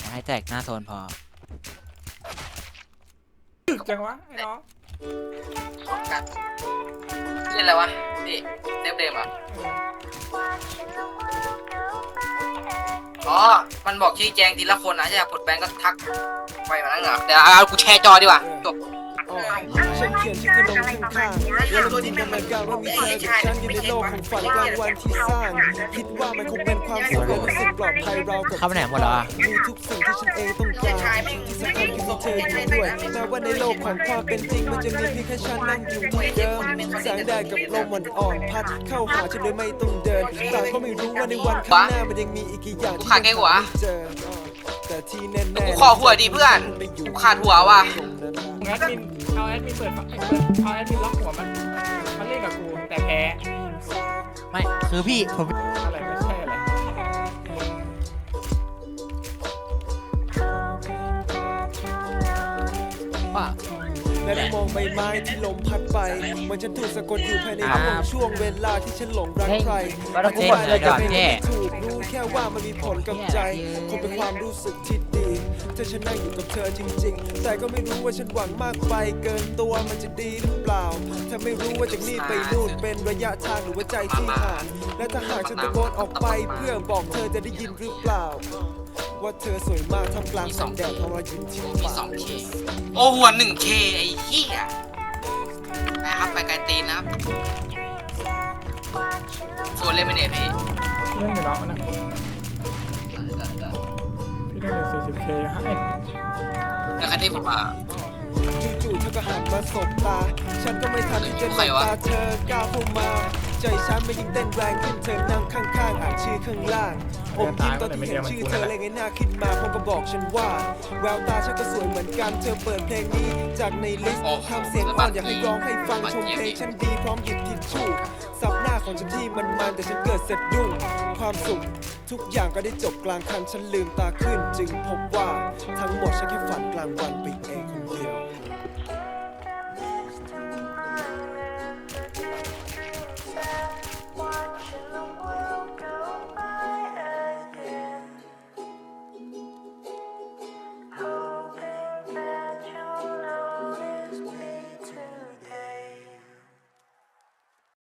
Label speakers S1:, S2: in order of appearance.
S1: ให้แตกหน้าโซนพอ
S2: ตึกจังวะไอ้น้อง
S3: กันเล่นอะไรวะนี่เซฟเดมอ่ะอ๋อมันบอกชี้แจงทีละคนนะจะอยากกดแบงก์ก็ทักไปมาแล้วเหรอเดี๋ยวเอากูแชร์จอดีกว่าจบ
S4: ฉันเขียนชื่อเธอลงข้างๆแล้วจินตนาการว่ามีเธอกับฉันอยู่ในโลกของฝันกลางวันที่สร้างคิดว่ามันคงเป็นความสุขและรู้สึกปลอดภัยเรากับ
S1: เข้าไปไหนหมดแล้ว
S4: มีทุกสิ่งที่ฉันเองต้องการที่สำคัญคือมีเธออยู่ด้วยแม้ว่าในโลกของความเป็นจริงมันจะมีเพียงแค่ฉันนั่งอยู่ที่เดิมแสงแดดกับลมอ่อนๆพัดเข้าหาฉันโดยไม่ต้องเดินแต่ก็ไม่รู้ว่าในวันข้างหน้ามันยังมีอีกกี่อย่างที่ยังไม่เจอแต่ที่แน่ๆ
S3: กูขอหัวดีเพื่อนกูขาดหัวว่ะ
S2: แอดมินเอาแอดมินเอาแอดมินล็อกหัวมันเล่นกับกูแต่แพ้
S1: ไม่คือพี่ผม
S2: อะไรไม่ใช่อะไร
S1: ว่า
S4: และได้มองใบไม้ที่ลมพัดไปเหมือนฉันถูกสะกดอยู่ภายในช่วงเวลาที่ฉันหลงรักใครอธิบายอะไรก็ไม่ถูกรู้แค่ว่ามันมีผลกับใจคงเป็นความรู้สึกที่ดีถ้าฉันนั่งอยู่กับเธอจริงๆแต่ก็ไม่รู้ว่าฉันหวังมากไปเกินตัวมันจะดีหรือเปล่าถ้าไม่รู้ว่าจากนี้ไปนู่นเป็นระยะทางหรือว่าใจที่ห่างและถ้าหากฉันตะโกนออกไปเพื่อบอกเธอจะได้ยินหรือเปล่าว่าเธอสวยมากท่ามกลางแสงแดดของเราอยู่ที่
S3: มี
S4: ป่า
S3: 2K โอ้หัว 1K ไอ้เหี้ยนะครับไปไกลตีนนะครับส่วนเล่นไม่เน็ตพี่
S2: เล่นอยู่น้องนะพี่เล่นอยู่ 40K ให้
S3: แล้วใครที่ผมมา
S4: จู่ๆเธอก็หันมาสบตาฉันก็ไม่ทันที่จะหลบตาเธอก้าวเข้ามาใจฉันไม่ยิ่งเต้นแรงขึ้นเธอนั่งข้างๆอ่านชื่อข้างล่างอมยิ้มตอนที่เห็นชื่อเธอเลยไงหน้าขึ้นมาพร้อมกับบอกฉันว่าแววตาฉันก็สวยเหมือนกันเธอเปิดเพลงนี้จากในลิสต์ทำเสียงอ่อนอยากให้ร้องให้ฟังชมเพลงฉันดีพร้อมหยิบทิชชู่ซับหน้าของฉันที่มันแต่ฉันเกิดสะดุ้งความสุขทุกอย่างก็ได้จบกลางคันฉันลืมตาขึ้นจึงพบว่าทั้งหมดฉันแค่ฝันกลางวันไป